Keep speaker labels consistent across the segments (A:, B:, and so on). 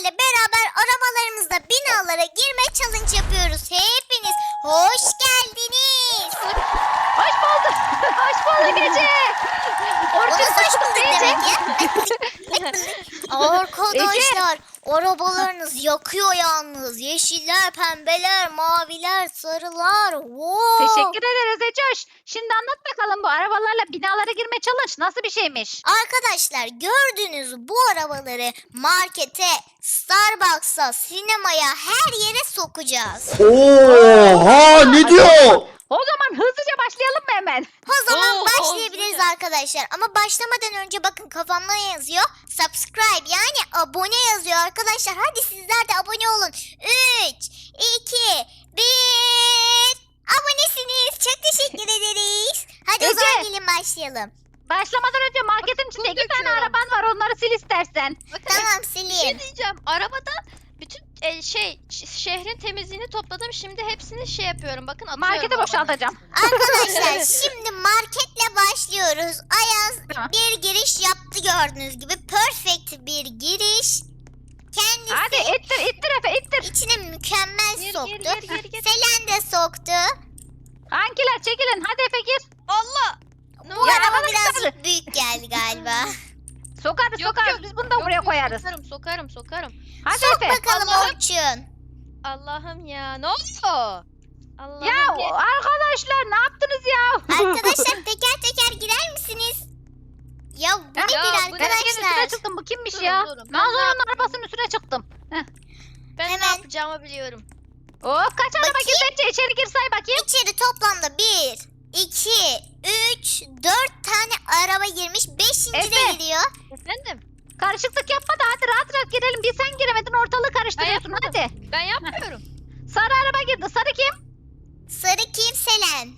A: sizlerle beraber arabalarımızla binalara girme challenge yapıyoruz. Hepiniz hoş geldiniz.
B: Hoş bulduk. Hoş bulduk Ece.
A: O nasıl hoş bulduk demek ya? Arkadaşlar arabalarınız yakıyor yalnız. Yeşiller, pembeler, maviler, sarılar. Wow.
B: Teşekkür ederiz Ecoş. Şimdi anlat bakalım bu arabalarla binalara girme challenge nasıl bir şeymiş?
A: Arkadaşlar gördüğünüz bu arabaları markete, Starbucks'a, sinemaya her yere sokacağız.
C: Oha ne diyor?
B: O zaman hızlıca başlayalım mı hemen?
A: O zaman
D: Oo,
A: başlayabiliriz
D: güzel.
A: arkadaşlar. Ama başlamadan önce bakın kafamda ne yazıyor? Subscribe yani abone yazıyor arkadaşlar. Hadi sizler de abone olun. 3, 2, 1. Abonesiniz. Çok teşekkür ederiz. Hadi o
B: Ece.
A: zaman gelin başlayalım.
B: Başlamadan önce marketin içinde
D: Bunu
B: 2 tane
D: döküyorum.
B: araban var onları sil istersen.
D: Bakın
A: Tamam
D: bir şey
A: sileyim.
D: diyeceğim. Arabada bütün şehrin temizliğini topladım. Şimdi hepsini şey yapıyorum. Bakın atıyorum.
B: Marketi
D: arabanın
B: boşaltacağım.
A: Arkadaşlar şimdi marketle başlıyoruz. Ayaz
B: Tamam.
A: bir giriş yaptı gördüğünüz gibi. Perfect bir giriş. Kendisi
B: Hadi ittir Efe ittir.
A: içine mükemmel
D: Gir,
A: soktu.
D: gir.
A: Selen de soktu.
B: Hangiler çekilin hadi Efe gir.
D: Allah! Ne
A: Bu
D: oluyor?
A: araba
B: arabanın
A: birazcık büyük geldi galiba.
B: Sokarız
D: Yok,
B: sokarız
D: yok.
B: biz bunu da buraya koyarız.
D: Sokarım.
B: Hadi
A: Sok
B: Efe.
A: bakalım
D: Allah'ım.
A: Orçun.
D: Allah'ım ya. Ne oluyor? Allah'ım
B: Ya arkadaşlar ne yaptınız ya?
A: Arkadaşlar teker teker girer misiniz? Ya bu nedir
D: Ya, bu ne?
B: Ben üstüne
A: arkadaşlar?
B: çıktım bu kimmiş
D: Durun,
B: ya?
D: durun. Ben
B: Manzura'nın
D: ne yaptım?
B: arabasının üstüne çıktım.
D: Ben
A: Hemen.
D: ne yapacağımı biliyorum.
B: Kaç araba
A: Bakayım.
B: girdi Ece içeri gir say bakayım.
A: İçeri toplamda 1, 2, 3, 4 tane araba girmiş. 5. de
B: Efe.
A: giriyor.
D: Efendim?
B: Karışıklık yapma da hadi rahat rahat girelim. Bir sen giremedin ortalığı karıştırıyorsun
D: yapmadım.
B: hadi.
D: Ben yapmıyorum.
B: Sarı araba girdi. Sarı kim?
A: Sarı kim? Selen.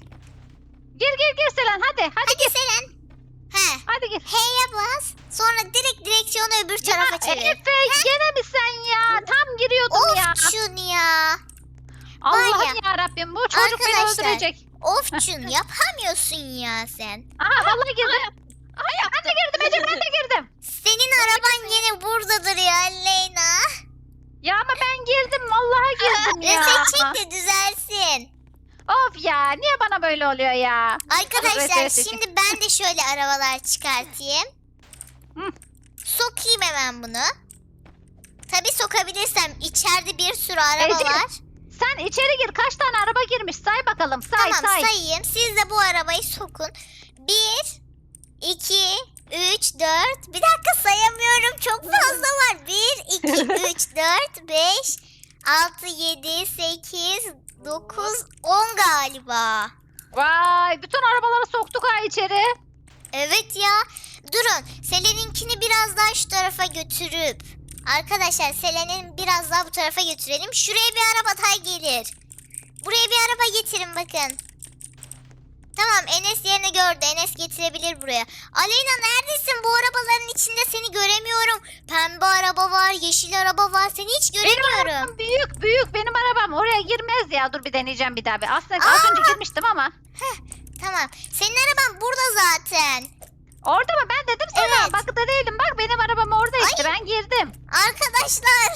B: Gir Selen hadi. Hadi
A: Hadi
B: gir.
A: Selen. He.
B: Hadi gir.
A: H'ye bas. Sonra direkt direksiyonu öbür tarafa çevir.
B: Efe gene mi sen ya? Tam giriyordum ya.
A: Ofçun ya.
B: Allah'ım ya Rabbim bu çocuk beni
A: Arkadaşlar.
B: öldürecek.
A: Ofçun yapamıyorsun ya sen.
B: Aha vallahi girdim. Ben de girdim Ece ben de girdim.
A: Senin araban yine buradadır ya Leyna.
B: Ya ama ben girdim vallahi girdim ya.
A: Reset çek de düzelsin.
B: Of ya niye bana böyle oluyor ya?
A: Arkadaşlar
B: Reset çek.
A: şimdi ben de şöyle arabalar çıkartayım.
B: Hı.
A: Sokayım hemen bunu. Tabii sokabilirsem içeride bir sürü araba
B: Ece,
A: var.
B: Sen içeri gir kaç tane araba girmiş say bakalım say
A: Tamam
B: say.
A: sayayım. Siz de bu arabayı sokun. 1, 2, 3, 4. Bir dakika sayamıyorum. Çok fazla var. 1, 2, 3, 4, 5, 6, 7, 8, 9, 10 galiba.
B: Vay bütün arabaları soktuk ha içeri.
A: Evet ya. Durun. Selen'inkini biraz daha şu tarafa götürüp. Arkadaşlar Selen'in biraz daha bu tarafa götürelim. Şuraya bir araba daha gelir. Buraya bir araba getirin bakın. Tamam Enes yerini gördü. Enes getirebilir buraya. Aleyna neredesin? Bu arabaların içinde seni göremiyorum. Pembe araba var, yeşil araba var. Seni hiç
B: Benim
A: göremiyorum.
B: arabam büyük benim arabam oraya girmez ya dur bir deneyeceğim bir daha. Aslında
A: Aa!
B: az önce girmiştim ama.
A: Tamam. Senin araban burada zaten.
B: Orada mı ben dedim sana
A: Evet.
B: bak da değilim bak benim arabam orada işte ben girdim.
A: Arkadaşlar.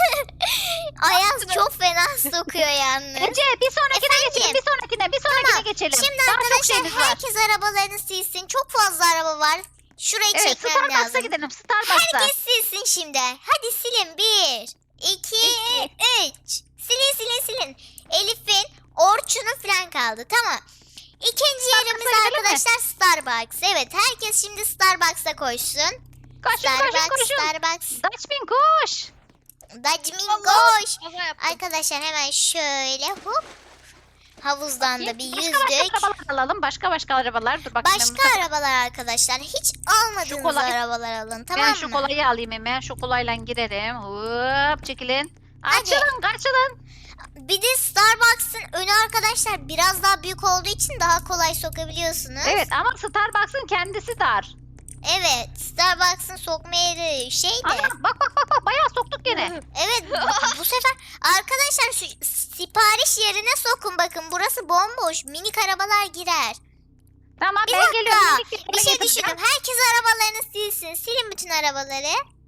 A: Ayaz çok fena sokuyor yalnız.
B: Ece bir sonrakine
A: Efendim?
B: geçelim bir sonrakine
A: Tamam.
B: geçelim.
A: Şimdi
B: Daha çok
A: arkadaşlar
B: şeyimiz var.
A: herkes arabalarını silsin. Çok fazla araba var. Şurayı
B: Evet
A: çekmem
B: Starbucks'a
A: lazım.
B: gidelim Starbucks'a.
A: Herkes silsin şimdi. Hadi silin. 1, 2, 3. Silin. Elif'in, Orçun'un falan kaldı. Tamam. İkinci yerimiz
B: gidelim mi?
A: arkadaşlar Starbucks. Evet herkes şimdi Starbucks'a koşsun.
B: Koşun.
A: Starbucks.
B: Dutchman koş.
A: Dacmin
D: Allah!
A: koş.
D: Kaza yaptım.
A: Arkadaşlar hemen şöyle hop. Havuzdan da bir yüzdük.
B: Başka arabalar alalım. Başka arabalar. Dur bakayım.
A: Başka arabalar arkadaşlar. Hiç almadığınız
B: kolay-
A: arabalar alın tamam
B: Ben
A: mı?
B: şu kolayı alayım hemen. Şu kolayla girelim. Hop çekilin.
A: Hadi.
B: Açılın.
A: Bir de Starbucks'ın önü arkadaşlar biraz daha büyük olduğu için daha kolay sokabiliyorsunuz.
B: Evet ama Starbucks'ın kendisi dar.
A: Evet, Starbucks'ın sokma yeri şey de.
B: Ana bak bayağı soktuk gene.
A: Evet bu sefer arkadaşlar şu sipariş yerine sokun bakın. Burası bomboş. Minik arabalar girer.
B: Tamam
A: Bir
B: ben
A: dakika.
B: geliyorum.
A: Bir şey düşündüm. Herkes arabalarını silsin. Silin bütün arabaları.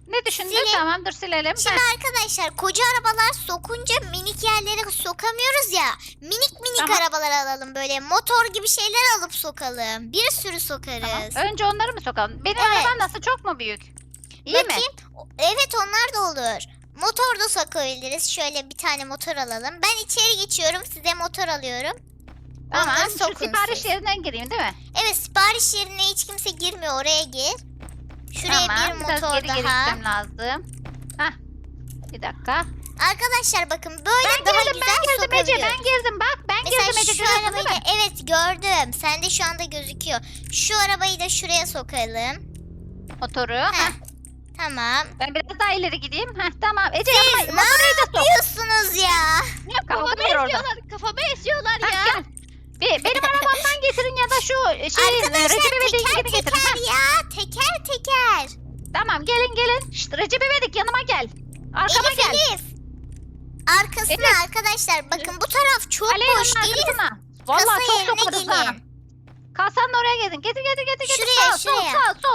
B: Ne düşündün?
A: Silin.
B: Tamam dur silelim.
A: Şimdi arkadaşlar koca arabalar sokunca minik yerlere sokamıyoruz ya. Minik
B: Tamam.
A: arabalar alalım böyle. Motor gibi şeyler alıp sokalım. Bir sürü sokarız.
B: Tamam. Önce onları mı sokalım? Benim
A: Evet.
B: arabam nasıl? Çok mu büyük? İyi mi?
A: Bakayım. Evet onlar da olur. Motor da sokabiliriz. Şöyle bir tane motor alalım. Ben içeri geçiyorum. Size motor alıyorum.
B: Tamam.
A: Onları
B: Şu
A: sokun
B: sipariş
A: siz.
B: yerinden gireyim değil mi?
A: Evet sipariş yerine hiç kimse girmiyor. Oraya gir. Şuraya
B: Tamam.
A: bir
B: Biraz
A: motor
B: geri geri
A: daha.
B: gitmem lazım. Hah. Bir dakika.
A: Arkadaşlar bakın böyle
B: Ben
A: daha
B: girdim,
A: güzel
B: ben girdim Ece,
A: sokabiliyoruz.
B: ben girdim bak. Ben
A: Mesela
B: girdim Ece,
A: şu
B: görüyorsun
A: arabayı
B: değil
A: da
B: mi?
A: evet gördüm. Sende şu anda gözüküyor. Şu arabayı da şuraya sokalım.
B: Motoru.
A: Heh.
B: Heh.
A: Tamam.
B: Ben biraz daha ileri gideyim. Heh, tamam. Ece
A: Siz
B: yapma.
A: ne
B: Motoru da sok.
A: yapıyorsunuz ya?
B: Kavga
D: Kafamı
B: var orada.
D: esiyorlar. Kafamı esiyorlar
B: Heh,
D: ya.
B: gel. Benim arabamdan getirin ya da şu
A: Arkadaşlar
B: Recep İvedik'in
A: teker
B: getirin.
A: teker
B: Heh,
A: ya. Teker teker.
B: tamam gelin. Şşt, Recep İvedik yanıma gel. Arkama
A: Elif
B: gel.
A: Elif. Arkasına
B: Elif.
A: arkadaşlar bakın bu taraf çok
B: Aleyha'nın
A: boş. Elif
B: arkasına.
A: kasa
B: Vallahi çok
A: yerine
B: sokarız ha.
A: gelin.
B: Kasanın oraya gelin. Getir.
A: Şuraya, şuraya.
B: Sol.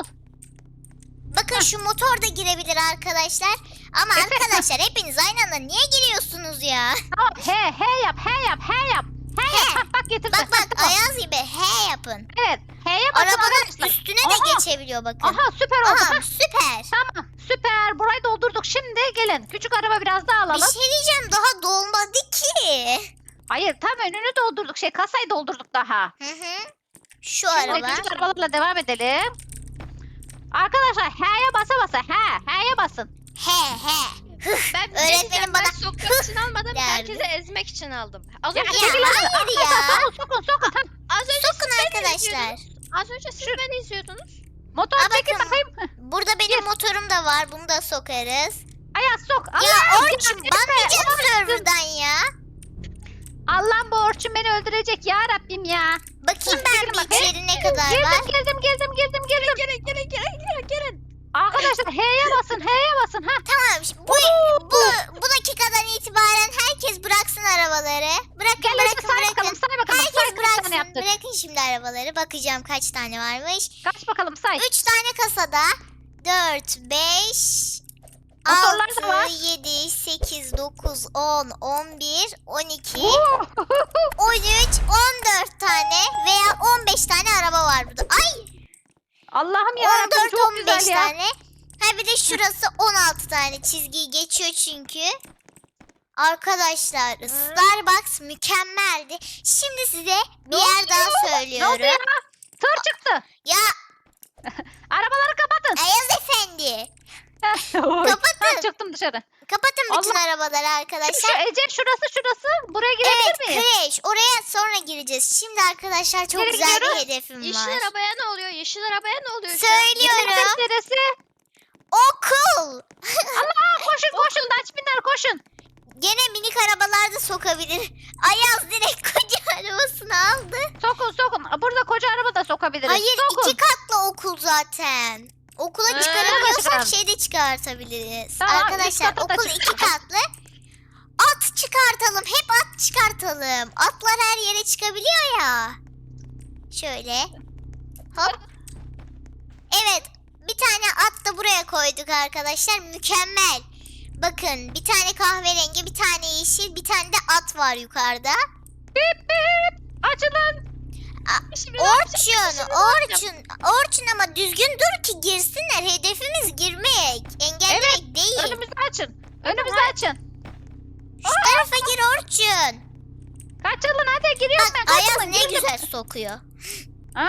A: Bakın şu motor da girebilir arkadaşlar. Ama arkadaşlar hepiniz aynı anda niye giriyorsunuz ya?
B: Tamam. He yap. Heh, bak getirdim.
A: Bak
B: Heh, tamam.
A: Ayaz gibi he yapın.
B: Evet. He'ye bakın
A: Arabanın
B: arkadaşlar.
A: üstüne de
B: Aha.
A: geçebiliyor bakın.
B: Aha süper oldu.
A: Aha
B: Heh,
A: süper.
B: tamam. Süper. Burayı doldurduk. Şimdi gelin. Küçük araba biraz daha
A: Bir
B: alalım.
A: şey diyeceğim daha dolmadı ki.
B: Hayır tam önünü doldurduk. Kasayı doldurduk daha.
A: Hı hı. Şu
B: Şimdi
A: araba.
B: küçük arabalarla devam edelim. Arkadaşlar H'ye basa. H'ye basın.
A: He.
D: Ben bir
A: Öğretmenim
D: şey diyeceğim,
A: bana
D: ben sokmak için almadım.
A: derdi.
D: Herkese ezmek için aldım. Az
B: Ya,
D: önce,
B: çekil önüne.
A: hayır ya.
B: Sokun. Heh,
D: az önce
A: Sokun
D: siz beni
A: arkadaşlar.
D: izliyordunuz. Az önce siz beni izliyordunuz.
B: motor
A: Aa,
B: çekil
A: bakın.
B: bakayım. Heh,
A: Burada benim motorum da var. Bunu da sokarız.
B: Ayaz sok.
A: Ya
B: Allah,
A: Orçun banlayacağım serverdan ya.
B: Allah'ım bu Orçun beni öldürecek ya Rabbim ya.
A: Bakayım ben
B: Çekilin
A: bir
B: bakayım.
A: içeri ne kadar var.
B: Girdim.
D: Gelin.
B: Arkadaşlar H'ye basın. Heh.
A: Tamam şimdi bu dakikadan itibaren herkes bıraksın arabaları. Bırakın
B: Gel Ece, say bakalım.
A: Herkes
B: Say kaç tane
A: bıraksın.
B: yaptık.
A: Bırakın şimdi arabaları. Bakacağım kaç tane varmış.
B: Kaç bakalım say.
A: 3 tane kasada. 4, 5,
B: Motorlar da var.
A: 6, 7, 8, 9, 10, 11, 12,
B: Oo.
A: 13, 14 tane veya 15 tane araba var burada. Ay
B: Allah'ım ya Rabbim
A: 14,
B: çok
A: 15
B: güzel ya.
A: tane. Ha bir de şurası 16 tane çizgiyi geçiyor çünkü. Arkadaşlar Starbucks mükemmeldi. Şimdi size bir yer daha
B: Ne oldu ya?
A: söylüyorum.
B: Tır çıktı.
A: Ya
B: Arabaları kapatın.
A: Ayaz Efendi.
B: Ha, çıktım dışarı.
A: Kapatın bütün
B: Allah.
A: arabaları
B: Şu
A: arkadaşlar.
B: Ece şurası. Buraya girebilir
A: Evet
B: miyim?
A: kreş. Oraya sonra gireceğiz. Şimdi arkadaşlar çok
B: Nereye
A: güzel bir
B: gidiyoruz?
A: hedefim
D: Yeşil
A: var.
D: arabaya ne oluyor? Yeşil arabaya ne oluyor? şu an?
A: Söylüyorum.
B: Neresi?
A: Okul.
B: Allah koşun Daçminler koşun.
A: Gene minik arabalarda sokabilir. Ayaz direkt koca arabasını aldı.
B: Sokun. Burada koca araba da sokabiliriz.
A: Hayır
B: Sokun.
A: 2 katlı okul zaten. Okula
B: çıkaralım.
A: çıkaramıyorsak şeyde çıkartabiliriz.
B: Tamam, üst
A: Arkadaşlar
B: kata da
A: okul 2
B: çıkaralım.
A: katlı. At çıkartalım. Hep at çıkartalım. Atlar her yere çıkabiliyor ya. Şöyle. Hop. Evet. Bir tane at da buraya koyduk arkadaşlar. Mükemmel. Bakın bir tane kahverengi, bir tane yeşil, bir tane de at var yukarıda.
B: Bip. Açılın.
D: Şimdi ne yapacağım?
A: Orçun ama düzgün dur ki girsinler. Hedefimiz girmek, engellemek değil.
B: Önümüzü açın.
A: Şu tarafa gir Orçun.
B: Kaçalım hadi giriyorum
A: Bak
B: ben.
A: Ayaz
B: Kaçalım,
A: ne
B: girdim.
A: güzel sokuyor.
B: Ha?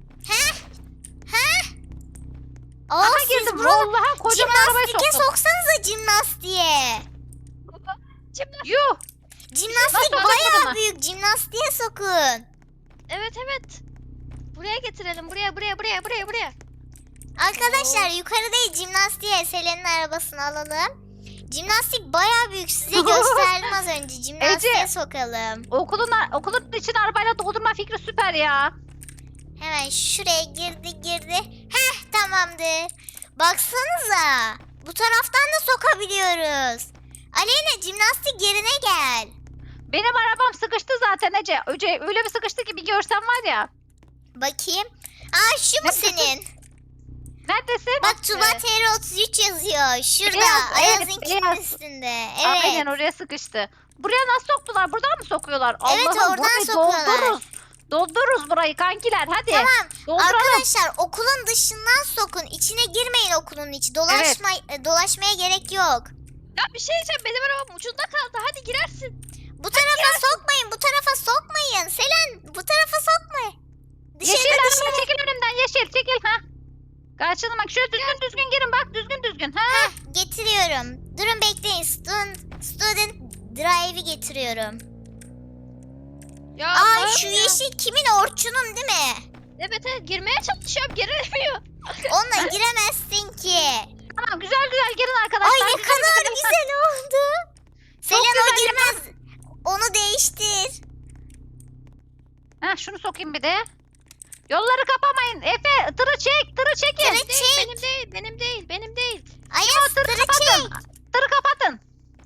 A: Aa,
B: Aha
A: siz
B: girdim.
A: bunu
B: Vallahi kocaman arabayı
A: jimnastiğe
B: soktum.
A: soksanıza jimnastiğe.
B: Yuh.
A: Jimnastik
B: Nasıl
A: bayağı
B: sokmadım?
A: büyük. Jimnastiğe sokun.
D: Evet. Buraya getirelim. Buraya.
A: Arkadaşlar yukarı değil jimnastiğe Selen'in arabasını alalım. Jimnastik bayağı büyük. Size gösterdim az önce. Jimnastiğe
B: Ece.
A: sokalım.
B: Okulun için arabayla doldurma fikri süper ya.
A: Hemen şuraya girdi. Heh tamamdır. Baksanıza. Bu taraftan da sokabiliyoruz. Aleyna jimnastik yerine gel.
B: Benim arabam sıkıştı zaten Ece. Öyle bir sıkıştı ki bir görsen var ya.
A: Bakayım. Aa şu mu
B: Ne?
A: senin?
B: Neredesin?
A: Bak Tuba TR33 yazıyor. Şurada.
B: Beyaz, evet,
A: Ayaz'ınkinin
B: beyaz.
A: üstünde.
B: Aynen
A: Evet.
B: oraya sıkıştı. Buraya nasıl soktular? Buradan mı sokuyorlar?
A: Evet,
B: Allah'ım,
A: oradan
B: burayı
A: sokuyorlar.
B: Doldururuz. Doldururuz burayı kankiler hadi.
A: Tamam.
B: Dolduralım.
A: Arkadaşlar okulun dışından sokun. İçine girmeyin okulun içi. Dolaşmaya gerek yok.
D: Ya bir şey diyeceğim. Benim arabam ucunda kaldı. Hadi girersin.
A: Bu tarafa sokmayın. Bu tarafa sokmayın. Selen bu tarafa sokma.
B: Yeşil
A: Dışarı
B: araba
A: dışarı.
B: çekil önümden yeşil çekil ha. Karşına bak şöyle düzgün girin bak düzgün ha.
A: Heh, getiriyorum. Durun bekleyin. Student drive'i getiriyorum.
D: Ya
A: Aa
D: Allah'ım
A: şu
D: ya.
A: yeşil kimin? Orçun'un değil mi?
D: Evet evet girmeye çalışıyorum. Giremiyor.
A: Onunla giremezsin ki.
B: Tamam güzel girin arkadaşlar.
A: Ay ne kadar güzel oldu. Selen o
B: güzel
A: girmez. Onu değiştir.
B: Ha şunu sokayım bir de. Yolları kapamayın. Efe tırı çekin.
A: Tırı çek.
D: Benim değil.
A: Ayaz
B: Tırı
A: tırı çek.
B: kapatın. Tırı kapatın.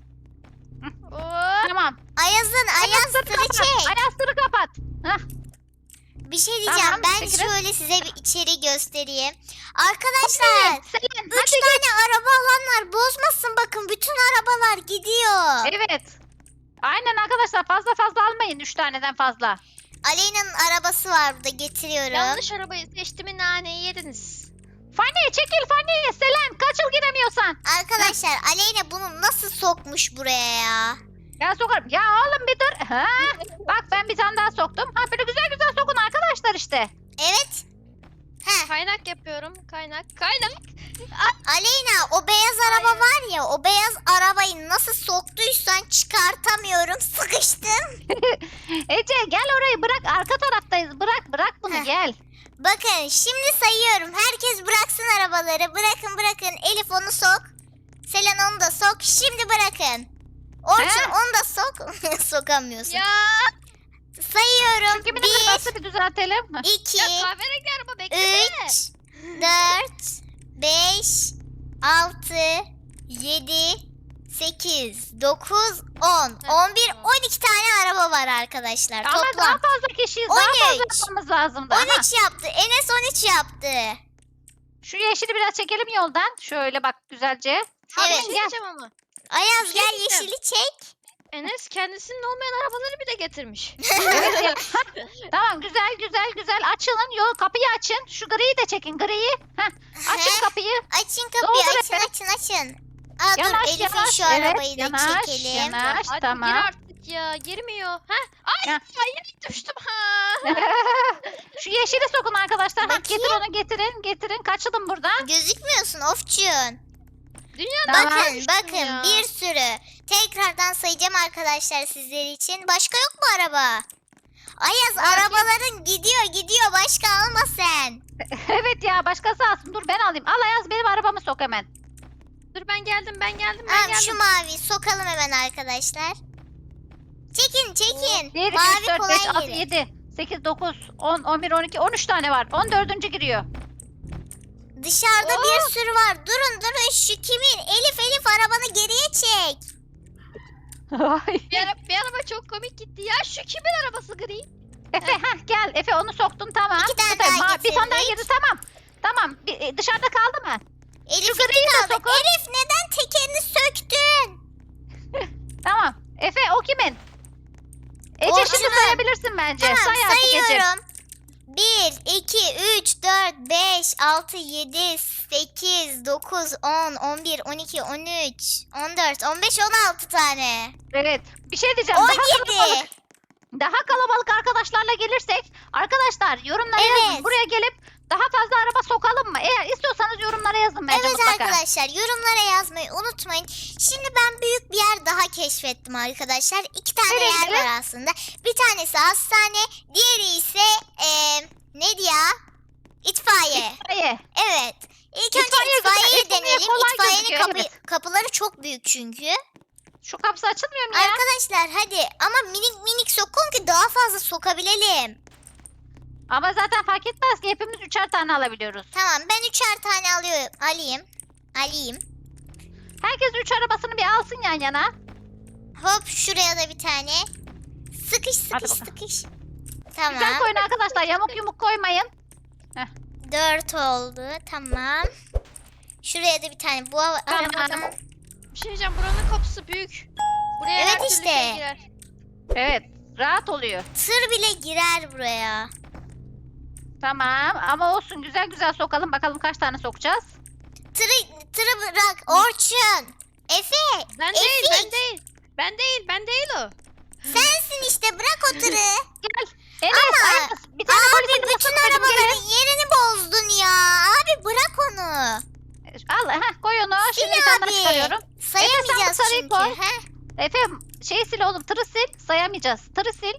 D: Oo.
B: Tamam.
A: Ayaz tırı
B: kapat.
A: çek.
B: Ayaz tırı kapat. Hah.
A: Bir şey diyeceğim.
B: Tamam,
A: Ben
B: çekelim.
A: şöyle size bir içeri göstereyim. Arkadaşlar
B: Selin
A: 3 tane araba alanlar bozmasın, bakın bütün arabalar gidiyor.
B: Evet. Aynen arkadaşlar fazla almayın 3 taneden fazla.
A: Aleyna'nın arabası var burada, getiriyorum.
D: Yanlış arabayı seçtiğimi naneyi yediniz.
B: Fanny çekil Fanny. Selen kaçıl giremiyorsan.
A: Arkadaşlar Aleyna bunu nasıl sokmuş buraya ya?
B: Ben sokarım. Ya oğlum bir dur. Ha? Bak ben bir tane daha soktum. Ha böyle güzel sokun arkadaşlar işte.
A: Evet. Heh,
D: Kaynak yapıyorum. Kaynak.
A: Aleyna o beyaz araba var ya, o beyaz arabayı nasıl soktuysan çıkartamıyorum, sıkıştım.
B: Ece gel orayı bırak. Arka taraftayız. Bırak bunu
A: Heh.
B: gel.
A: Bakın şimdi sayıyorum, herkes bıraksın arabaları, bırakın. Elif onu sok. Selen onu da sok, şimdi bırakın. Orçun
B: He?
A: onu da sok. Sokamıyorsun.
D: Ya.
A: Sayıyorum.
B: Kimin
A: 1,
B: arabası bir düzeltelim.
A: 2,
D: Ya kahverengi araba beklesene.
A: 3, 4, 5, 6, 7, 8, 9, 10, 11, 12 tane araba var arkadaşlar.
B: Ama daha
A: Toplam.
B: fazla kişiyiz. Daha fazla
A: 13.
B: yapmamız lazım da.
A: 13 yaptı. Enes 13 yaptı.
B: Şu yeşili biraz çekelim yoldan. Şöyle bak güzelce.
D: Abi
A: Evet.
D: bir şey diyeceğim ama.
A: Ayaz
D: Bir şey
A: gel
D: diyeceğim.
A: yeşili çek.
D: Enes kendisinin olmayan arabaları bile getirmiş.
B: Evet ya. Tamam güzel. Açılın yol kapıyı açın. Şu griyi de çekin griyi. Heh. Açın kapıyı.
A: Açın kapıyı,
B: Doldur
A: açın. Aa dur
B: Yanaş,
A: Elif'in
B: yanaş.
A: şu
B: Evet,
A: arabayı da
B: yanaş,
A: çekelim.
B: yanaş.
D: Hadi
B: Tamam.
D: gir artık ya. Girmiyor. Heh. Ay
B: Ya.
D: yine düştüm. Ha.
B: Şu yeşili sokun arkadaşlar. Ha,
A: Bakayım.
B: getir onu getirin. Kaçalım buradan.
A: Gözükmüyorsun Ofçun.
D: Dünya
B: Tamam.
A: Bakın
D: ya.
A: bir sürü. Tekrardan sayacağım arkadaşlar sizler için. Başka yok mu araba? Ayaz arabaların gidiyor. Başka alma sen.
B: Evet ya başkası alsın. Dur ben alayım. Al Ayaz benim arabamı sok hemen.
D: Dur ben geldim.
A: Tamam şu mavi sokalım hemen arkadaşlar. Çekin.
B: 1, 2,
A: Mavi
B: 3, 4,
A: kolay
B: 5, 6,
A: gelir.
B: 7, 8, 9, 10, 11, 12, 13 tane var. 14. giriyor.
A: Dışarıda bir sürü var. Durun şu kimin? Elif arabanı geriye çek.
B: Ay.
D: Bir araba çok komik gitti. Ya şu kimin arabası gri?
B: Efe gel. Efe onu soktun tamam.
A: İki tane
B: Buradayım.
A: daha
B: Bir tane daha
A: getirdik.
B: girdi tamam. Dışarıda kaldı mı?
A: Elif'in
B: griyi de
A: kaldı.
B: sokun.
A: Elif neden tekerini söktün?
B: Tamam. Efe o kimin? Ece
A: Orçun'un.
B: şimdi sayabilirsin bence.
A: Tamam
B: Say artık Ece.
A: sayıyorum. 1, 2, 3, 4, 5, 6, 7, 8, 9, 10, 11, 12, 13, 14, 15, 16 tane.
B: Evet. Bir şey diyeceğim.
A: 17.
B: Daha kalabalık arkadaşlarla gelirsek arkadaşlar yorumlara yazın.
A: Evet.
B: Buraya gelip daha fazla araba sokalım mı? Eğer istiyorsanız yorumlara yazın bence
A: Evet
B: mutlaka.
A: arkadaşlar yorumlara yazmayı unutmayın. Şimdi ben büyük bir yer daha keşfettim arkadaşlar. 2 tane
B: Neresi?
A: yer var aslında. Bir tanesi hastane, diğeri ise neydi ya? İtfaiye.
B: İyi.
A: Evet. İlk önce
B: İtfaiye güzel,
A: itfaiyeyi
B: itfaiye
A: deneyelim.
B: kolay
A: İtfaiyenin
B: gözüküyor, evet.
A: kapıları çok büyük çünkü.
B: Şu kapısı açılmıyor mu ya?
A: Arkadaşlar hadi ama minik sokun ki daha fazla sokabilelim.
B: Ama zaten fark etmez ki hepimiz 3'er tane alabiliyoruz.
A: Tamam ben 3'er tane alayım.
B: Herkes 3 arabasını bir alsın yan yana.
A: Hop şuraya da bir tane. Sıkış.
B: Hadi bakalım.
A: Tamam.
B: Güzel koyun arkadaşlar yamuk yumuk koymayın.
A: 4 oldu. Tamam. Şuraya da bir tane bu arabadan.
D: Bir şey diyeceğim, buranın kapısı büyük. Buraya
A: Evet
D: her türlü
A: işte.
D: şey girer.
B: Evet. Rahat oluyor.
A: Tır bile girer buraya.
B: Tamam ama olsun, güzel güzel sokalım. Bakalım kaç tane sokacağız.
A: Tırı bırak Orçun. Efe.
D: Ben değil,
A: Efik.
D: ben değil. Ben değil o.
A: Sensin işte, bırak o tırı.
B: Gel. Enes,
A: Ama
B: Ayaz, bir tane
A: Abi
B: polisin
A: bütün
B: arabasına koydum,
A: arabaların
B: gelin.
A: yerini bozdun ya. Abi bırak onu.
B: Al, koy onu.
A: Sil
B: Şimdi bir tane daha
A: abi.
B: çıkarıyorum.
A: Sayamayacağız
B: sarıyı
A: çünkü.
B: koy.
A: He?
B: Efe şeyi sil oğlum, tırı sil. Sayamayacağız. Tırı sil.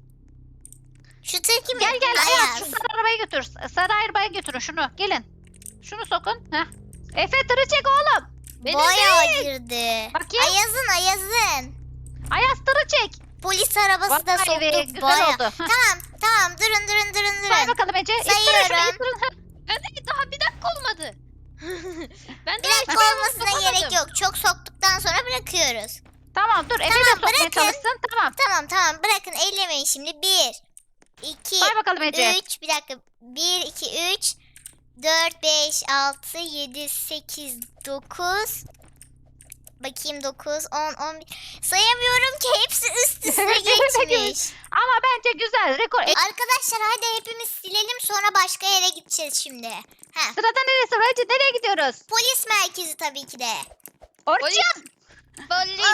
A: Şu tır kimin?
B: Gel gel
A: Ayaz.
B: Ayaz, şu sarı arabayı götür. Sarı arabaya götürün şunu. Gelin. Şunu sokun. Heh. Efe tırı çek oğlum.
D: Benim
A: Bayağı girdi.
B: Bakayım.
A: Ayaz'ın.
B: Ayaz tırı çek.
A: Polis arabası da
B: Vay be,
A: soktuk
B: güzel
A: bayağı.
B: oldu. Heh.
A: Tamam durun.
B: Say bakalım Ece. İttirin şunu,
A: Sayıyorum.
B: ittirin. Heh.
D: Ben değil, daha bir dakika olmadı. Ben
A: Bir
D: daha hiç
A: dakika
D: arabamı
A: olmasına
D: sokamadım.
A: gerek yok. Çok soktuktan sonra bırakıyoruz.
B: Tamam dur, Efe de
A: Tamam,
B: sokmaya
A: bırakın.
B: çalışsın. Tamam.
A: Tamam bırakın, ellemeyin şimdi. 1 2
B: Say bakalım Ece.
A: 3 bir dakika. 1 2 3 4 5 6 7 8 9. Bakayım 9 10 11. Sayamıyorum ki, hepsi üst üste geçmiş.
B: Ama bence güzel. Rekor.
A: Arkadaşlar hadi hepimiz silelim, sonra başka yere gideceğiz şimdi. Ha,
B: Sırada neresi var Ece? Nereye gidiyoruz?
A: polis merkezi tabii ki de.
B: Orçun.
D: Polis.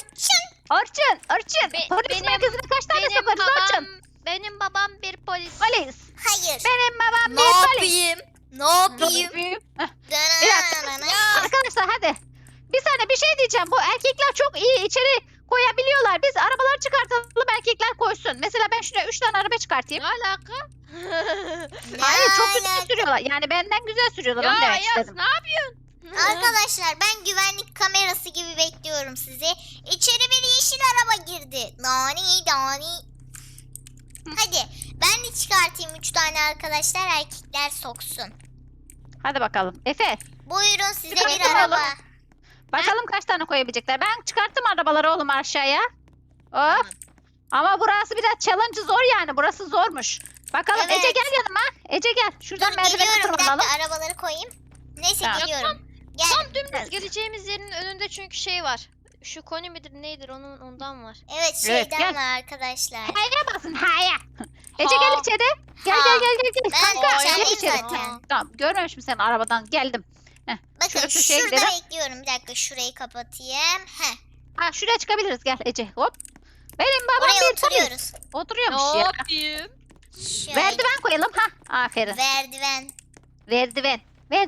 A: Orçun.
B: Polis
D: benim-
B: merkezine kaç tane
D: Benim
B: sokarız
D: babam,
B: Orçun?
D: benim babam bir polis.
B: Polis.
A: Hayır.
B: Benim babam
A: Ne
B: bir polis.
A: yapayım? Ne yapayım?
B: Heh.
A: Dana.
B: Arkadaşlar hadi. Bir saniye, bir şey diyeceğim. Bu erkekler çok iyi içeri koyabiliyorlar. Biz arabaları çıkartalım, erkekler koysun. Mesela ben şuraya 3 tane araba çıkartayım.
D: Ne alaka?
B: Hayır, çok
A: alaka?
B: güzel sürüyorlar. Yani benden güzel sürüyorlar.
D: Ya
B: Onu demek
D: Ayaz,
B: istedim.
D: ne yapıyorsun?
A: Arkadaşlar ben güvenlik kamerası gibi bekliyorum sizi. İçeri bir yeşil araba girdi. Nani. Hadi ben de çıkartayım 3 tane arkadaşlar, erkekler soksun.
B: Hadi bakalım. Efe,
A: Buyurun size bir
B: Çıkartın
A: araba.
B: oğlum. bakalım kaç tane koyabilecekler. Ben çıkarttım arabaları oğlum aşağıya. Hop. Ama burası biraz challenge zor yani. Burası zormuş. Bakalım
A: Evet.
B: Ece gel yanıma. Ece gel. Şuradan
A: Dur
B: merdiveni
A: geliyorum, bir
B: tırmanalım.
A: dakika arabaları koyayım. Neyse
B: Tamam.
A: geliyorum. Gel.
D: Tam dümdüz geleceğimiz yerin önünde çünkü şey var. Şu koni midir neydir, ondan var.
A: Evet
B: Evet,
A: şeyden
B: gel.
A: var arkadaşlar.
B: Haya basın haya. Ece
D: Ha.
B: gel içeri. Gel
A: Ha.
B: gel.
A: Ben
B: Kanka gel
A: içerideyim
B: içeri.
A: zaten.
B: Tamam, görmemiş misin, arabadan geldim.
A: Bakın
B: Şurada şu şeye
A: şurada
B: gidelim.
A: bekliyorum. Bir dakika şurayı kapatayım. Heh.
B: Ha, şuraya çıkabiliriz, gel Ece. Hop. Benim babam
A: Oraya
B: bir polis.
A: oturuyoruz.
B: Oturuyormuş
D: Ne
B: ya.
D: yapayım?
A: Şöyle.
B: Merdiven koyalım. Ha, aferin.
A: Merdiven.
B: Merdiven.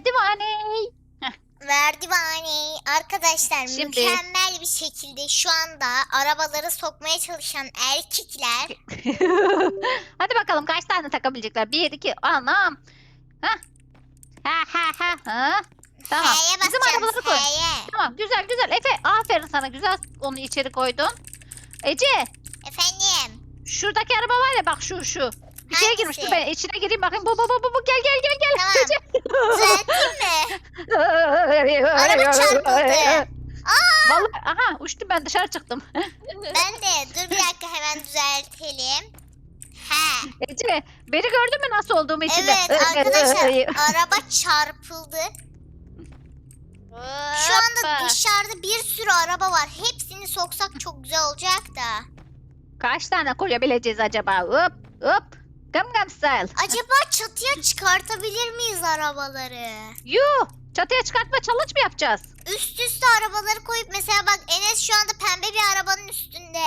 A: Merdivani. Arkadaşlar
B: Şimdi-
A: mükemmel bir şekilde şu anda arabaları sokmaya çalışan erkekler.
B: Hadi bakalım kaç tane takabilecekler? 1, 2, anam. Ha. Tamam.
A: H'ye
B: Bizim
A: basacağız.
B: arabaları koy.
A: H'ye.
B: Tamam, güzel. Efe, aferin sana, güzel onu içeri koydun. Ece,
A: Efendim.
B: şuradaki araba var ya, bak şu. Bir şeye girmiş. Dur ben içine gireyim bakayım. Bu. Gel.
A: Tamam.
B: Ece.
A: Düzelteyim mi? Araba çarpıldı.
B: Vallahi, aha, uçtum ben, dışarı çıktım.
A: Ben de. Dur bir dakika, hemen düzeltelim. He.
B: Ece, beni gördün mü nasıl olduğumu içinde?
A: Evet arkadaşlar araba çarpıldı. Şu anda
D: Hoppa.
A: dışarıda bir sürü araba var. Hepsini soksak çok güzel olacak da.
B: Kaç tane koyabileceğiz acaba? Hop. Gam style.
A: Acaba çatıya çıkartabilir miyiz arabaları?
B: Yuh. Çatıya çıkartma challenge mı yapacağız?
A: Üst üste arabaları koyup mesela bak Enes şu anda pembe bir arabanın üstünde.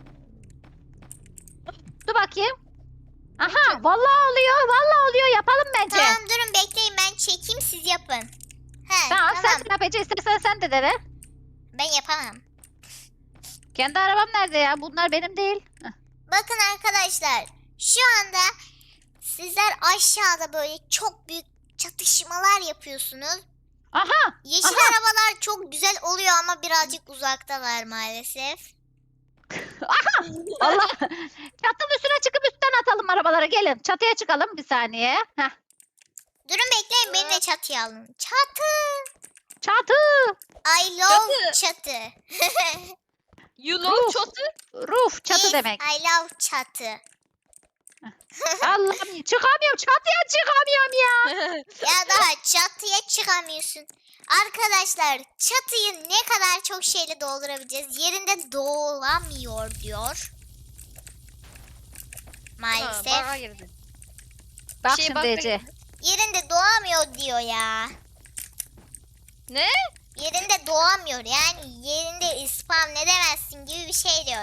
B: Dur bakayım. Aha, vallahi oluyor. Yapalım bence.
A: Tamam durun bekleyin, ben çekeyim siz yapın. He,
B: Tamam,
A: tamam.
B: sen yap Ece, istersen sen de dene.
A: Ben yapamam.
B: Kendi arabam nerede ya? Bunlar benim değil.
A: Bakın arkadaşlar şu anda sizler aşağıda böyle çok büyük çatışmalar yapıyorsunuz.
B: Aha.
A: Yeşil
B: Aha.
A: arabalar çok güzel oluyor ama birazcık uzaktalar maalesef.
B: Allah. Çatının üstüne çıkıp üstten atalım arabaları. Gelin çatıya çıkalım bir saniye. Heh.
A: Durun bekleyin, beni de çatıya alın. Çatı.
B: Çatı.
A: I love çatı.
D: You love
B: Roof.
D: çatı.
B: Roof çatı
A: Yes,
B: demek.
A: I love çatı.
B: Allah'ım çıkamıyorum. Çatıya çıkamıyorum ya.
A: Ya daha çatıya çıkamıyorsun. Arkadaşlar çatıyı ne kadar çok şeyle doldurabileceğiz? Yerinde dolamıyor diyor. Maalesef.
D: Bana girdi.
B: Bak
D: Şey,
B: şimdi
D: bak-
B: Ece.
A: Yerinde doğamıyor diyor ya.
D: Ne?
A: Yerinde doğamıyor yani yerinde spam ne demezsin gibi bir şey diyor.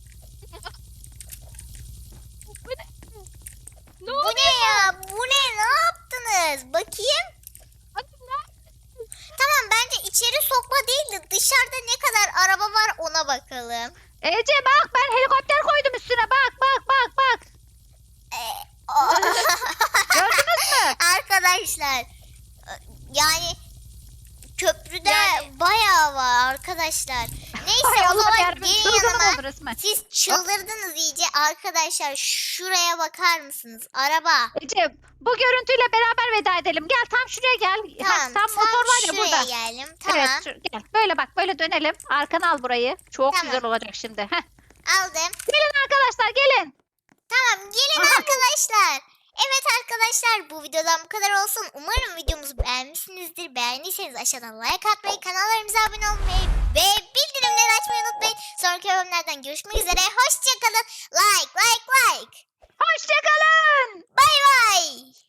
D: Ne
A: Bu
D: oldu?
A: ne ya? Bu ne? Ne yaptınız? Bakayım. Tamam bence içeri sokma değil de dışarıda ne kadar araba var ona bakalım.
B: Ece bak ben helikopter koydum üstüne. Bak. Gördünüz mü?
A: Arkadaşlar yani köprüde
D: Yani-
A: bayağı var arkadaşlar. Neyse
B: Hay
A: o
B: Allah
A: zaman
B: yarabbim.
A: gelin
B: Çılgınım
A: yanıma.
B: oldu resmen.
A: Siz çıldırdınız iyice arkadaşlar şuraya bakar mısınız? Araba.
B: Ece bu görüntüyle beraber veda edelim. Gel tam şuraya gel.
A: Tamam
B: Tam motor var ya
A: şuraya
B: burada.
A: geldim. Tamam
B: Evet gel. Böyle bak böyle dönelim. Arkana al burayı. Çok
A: Tamam.
B: güzel olacak şimdi. Heh.
A: aldım.
B: Gelin arkadaşlar gelin.
A: Tamam gelin
B: Aha.
A: arkadaşlar. Evet arkadaşlar bu videodan bu kadar olsun. Umarım videomuzu beğenmişsinizdir. Beğendiyseniz aşağıdan like atmayı, kanallarımıza abone olmayı ve bildirimleri açmayı unutmayın. Sonraki bölümlerden görüşmek üzere. Hoşçakalın. Like.
B: Hoşçakalın.
A: Bay bay.